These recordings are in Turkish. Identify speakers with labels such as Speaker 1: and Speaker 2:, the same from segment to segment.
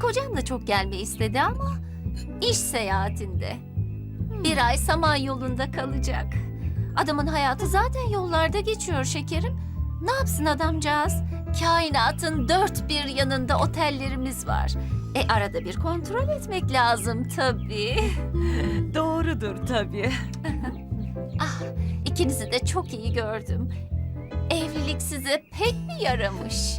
Speaker 1: kocam da çok gelmeyi istedi ama iş seyahatinde. Bir ay Samanyolu'nda kalacak. Adamın hayatı zaten yollarda geçiyor şekerim. Ne yapsın adamcağız? Kainatın dört bir yanında otellerimiz var. Arada bir kontrol etmek lazım tabii.
Speaker 2: Doğrudur tabii.
Speaker 1: Ah, ikinizi de çok iyi gördüm. Evlilik size pek mi yaramış?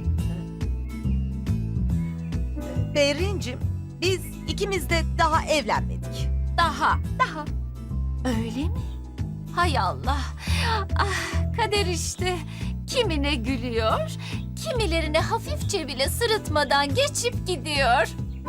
Speaker 2: Berrin'cim, biz ikimiz de daha evlenmedik.
Speaker 1: Daha. Öyle mi? Hay Allah. Ah, kader işte. Kimine gülüyor, kimilerine hafifçe bile sırıtmadan geçip gidiyor.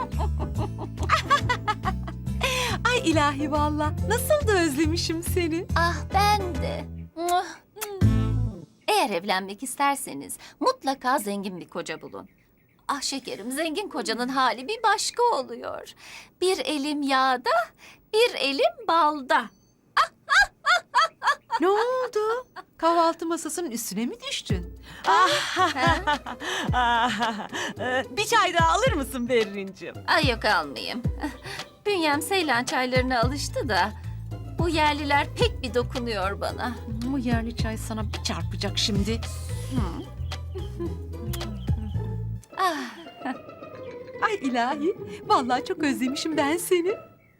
Speaker 2: Ay ilahi valla, nasıl da özlemişim seni.
Speaker 1: Ah ben de. Muah. Eğer evlenmek isterseniz mutlaka zengin bir koca bulun. Ah şekerim, zengin kocanın hali bir başka oluyor. Bir elim yağda, bir elim balda.
Speaker 2: Ne oldu? Kahvaltı masasının üstüne mi düştün? Bir çay daha alır mısın Berrin'cim?
Speaker 1: Ay yok almayayım. Bünyem Seylan çaylarına alıştı da bu yerliler pek bir dokunuyor bana.
Speaker 2: O yerli çay sana bir çarpacak şimdi.
Speaker 1: Ah,
Speaker 2: Ay ilahi, vallahi çok özlemişim ben seni.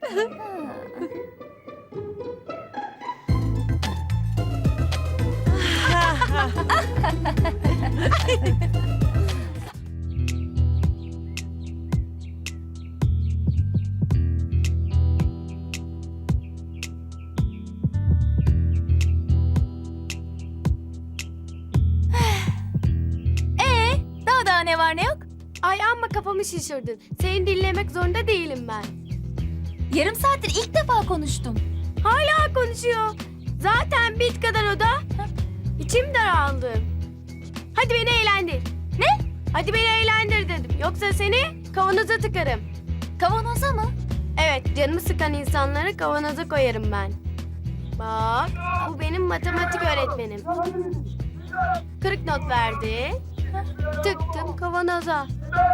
Speaker 1: daha ne var ne yok?
Speaker 3: Ay amma kafamı şişirdin. Seni dinlemek zorunda değilim ben.
Speaker 1: Yarım saattir ilk defa konuştum.
Speaker 3: Hala konuşuyor. Zaten bit kadar o da. İçim daraldı. Hadi beni eğlendir. Ne? Hadi beni eğlendir dedim. Yoksa seni kavanoza tıkarım.
Speaker 1: Kavanoza mı?
Speaker 3: Evet, canımı sıkan insanları kavanoza koyarım ben. Bak, bu benim matematik öğretmenim. 40 not verdi. Tıktım kavanoza.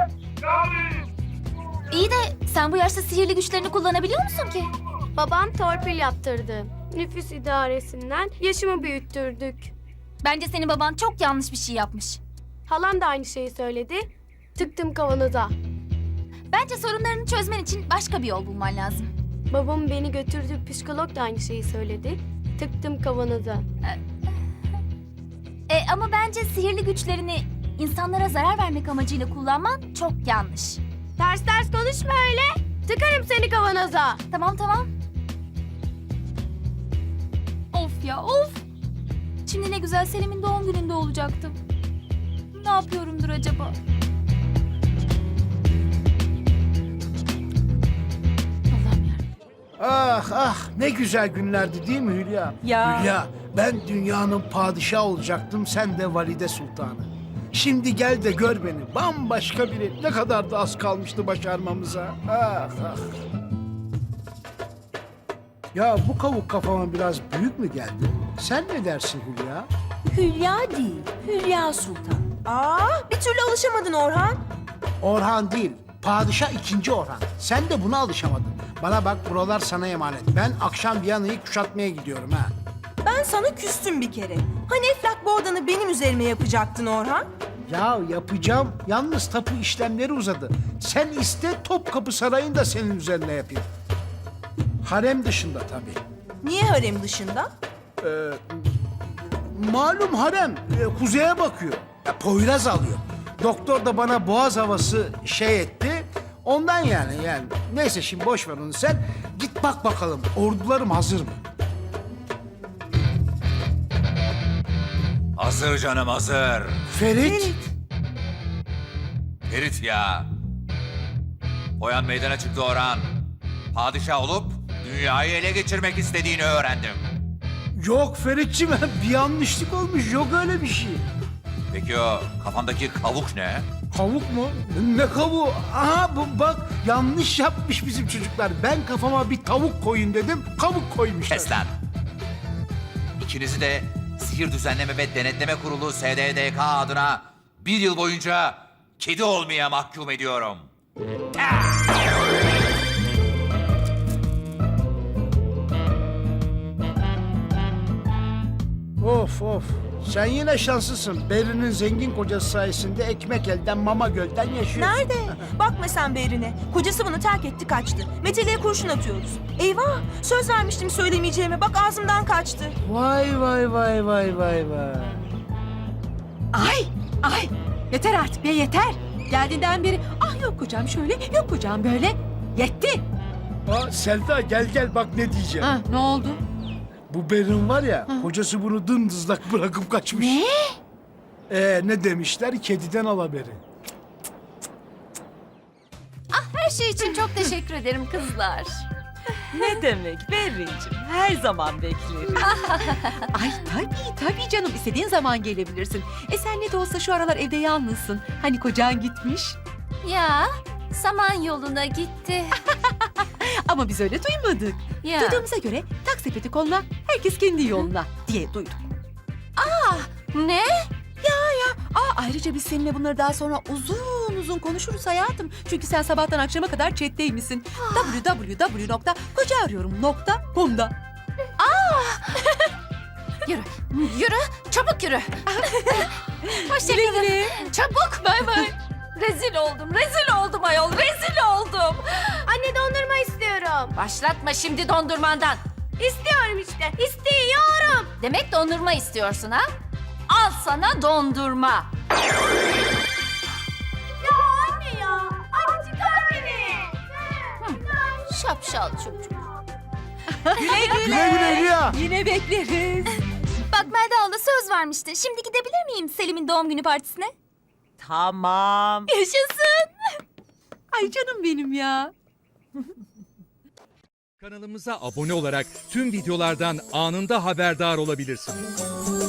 Speaker 1: İyi de sen bu yaşta sihirli güçlerini kullanabiliyor musun ki?
Speaker 3: Babam torpil yaptırdı. Nüfus idaresinden yaşımı büyüttürdük.
Speaker 1: Bence senin baban çok yanlış bir şey yapmış.
Speaker 3: Halam da aynı şeyi söyledi. Tıktım kavanoza.
Speaker 1: Bence sorunlarını çözmen için başka bir yol bulman lazım.
Speaker 3: Babam beni götürdü, psikolog da aynı şeyi söyledi. Tıktım kavanoza.
Speaker 1: Ama bence sihirli güçlerini insanlara zarar vermek amacıyla kullanman çok yanlış.
Speaker 3: Ters ters konuşma öyle. Tıkarım seni kavanoza.
Speaker 1: Tamam. Of ya of. Şimdi ne güzel Selim'in doğum gününde olacaktım. Ne yapıyorumdur acaba? Allah'ım ya.
Speaker 4: Ah ne güzel günlerdi değil mi Hülya?
Speaker 2: Ya.
Speaker 4: Hülya, ben dünyanın padişahı olacaktım, sen de valide sultanı. Şimdi gel de gör beni, bambaşka biri. Ne kadar da az kalmıştı başarmamıza. Ah. Ya bu kavuk kafama biraz büyük mü geldi? Sen ne dersin Hülya?
Speaker 5: Hülya değil, Hülya Sultan. Bir türlü alışamadın Orhan.
Speaker 4: Orhan değil, padişah 2. Orhan. Sen de buna alışamadın. Bana bak, buralar sana emanet. Ben akşam Viyana'yı kuşatmaya gidiyorum ha.
Speaker 5: Ben sana küstüm bir kere. Hani Eflak Boğdan'ı benim üzerime yapacaktın Orhan?
Speaker 4: Ya yapacağım. Yalnız tapu işlemleri uzadı. Sen iste, Topkapı Sarayı'nı da senin üzerine yapayım. Harem dışında tabii.
Speaker 5: Niye harem dışında?
Speaker 4: Malum harem kuzeye bakıyor. Ya, Poyraz alıyor. Doktor da bana boğaz havası etti. Ondan yani. Neyse şimdi boş ver onu sen. Git bak bakalım ordularım hazır mı?
Speaker 6: Hazır canım hazır.
Speaker 4: Ferit.
Speaker 6: Ferit ya. Oyan meydana çıktı Orhan. Padişah olup dünyayı ele geçirmek istediğini öğrendim.
Speaker 4: Yok Ferit'ciğim, bir yanlışlık olmuş. Yok öyle bir şey.
Speaker 6: Peki o kafandaki kavuk ne?
Speaker 4: Kavuk mu? Ne kavuğu? Aha bak yanlış yapmış bizim çocuklar. Ben kafama bir tavuk koyun dedim, kavuk koymuşlar.
Speaker 6: Kes lan. İkinizi de Sihir Düzenleme ve Denetleme Kurulu SDDK adına 1 yıl boyunca kedi olmaya mahkum ediyorum.
Speaker 4: Of of. Sen yine şanslısın. Beri'nin zengin kocası sayesinde ekmek elden mama gölden yaşıyorsun.
Speaker 5: Nerede? Bakma sen Berin'e. Kocası bunu terk etti kaçtı. Meteliğe kurşun atıyoruz. Eyvah! Söz vermiştim söylemeyeceğime. Bak ağzımdan kaçtı.
Speaker 4: Vay vay vay vay vay vay.
Speaker 2: Ay yeter artık be yeter. Geldiğinden beri ah yok kocam şöyle yok kocam böyle. Yetti.
Speaker 4: Aa, Selda gel bak ne diyeceğim.
Speaker 2: Ha, ne oldu?
Speaker 4: Bu Berin var ya, kocası bunu dımdızlak bırakıp kaçmış.
Speaker 2: Ne?
Speaker 4: Ne demişler? Kediden al haberi.
Speaker 1: Her şey için çok teşekkür ederim kızlar.
Speaker 2: Ne demek Berrin'cim her zaman beklerim. Ay tabii canım istediğin zaman gelebilirsin. Sen ne de olsa şu aralar evde yalnızsın. Hani kocan gitmiş.
Speaker 1: Ya saman yoluna gitti.
Speaker 2: Ama biz öyle duymadık.
Speaker 1: Ya.
Speaker 2: Duyduğumuza göre tak sepeti koluna herkes kendi yoluna diye duyduk.
Speaker 1: Ne?
Speaker 2: Ayrıca biz seninle bunları daha sonra uzun konuşuruz hayatım. Çünkü sen sabahtan akşama kadar chatteymişsin. www.kocaarıyorum.com'da.
Speaker 1: Yürü, çabuk yürü. Hoşçakalın. Çabuk, bay bay. Rezil oldum ayol, rezil oldum.
Speaker 3: Anne dondurma istiyorum.
Speaker 1: Başlatma şimdi dondurmandan.
Speaker 3: İstiyorum işte. İstiyorum.
Speaker 1: Demek dondurma istiyorsun ha? Al sana dondurma.
Speaker 3: Ya anne ya. Anne çıkar beni.
Speaker 1: Şapşal çocuk.
Speaker 2: Güle
Speaker 4: Güle güle Rüya.
Speaker 2: Yine bekleriz.
Speaker 7: Bak Melda abla söz vermişti. Şimdi gidebilir miyim Selim'in doğum günü partisine?
Speaker 2: Tamam.
Speaker 7: Yaşasın.
Speaker 2: Ay canım benim ya.
Speaker 8: Kanalımıza abone olarak tüm videolardan anında haberdar olabilirsiniz.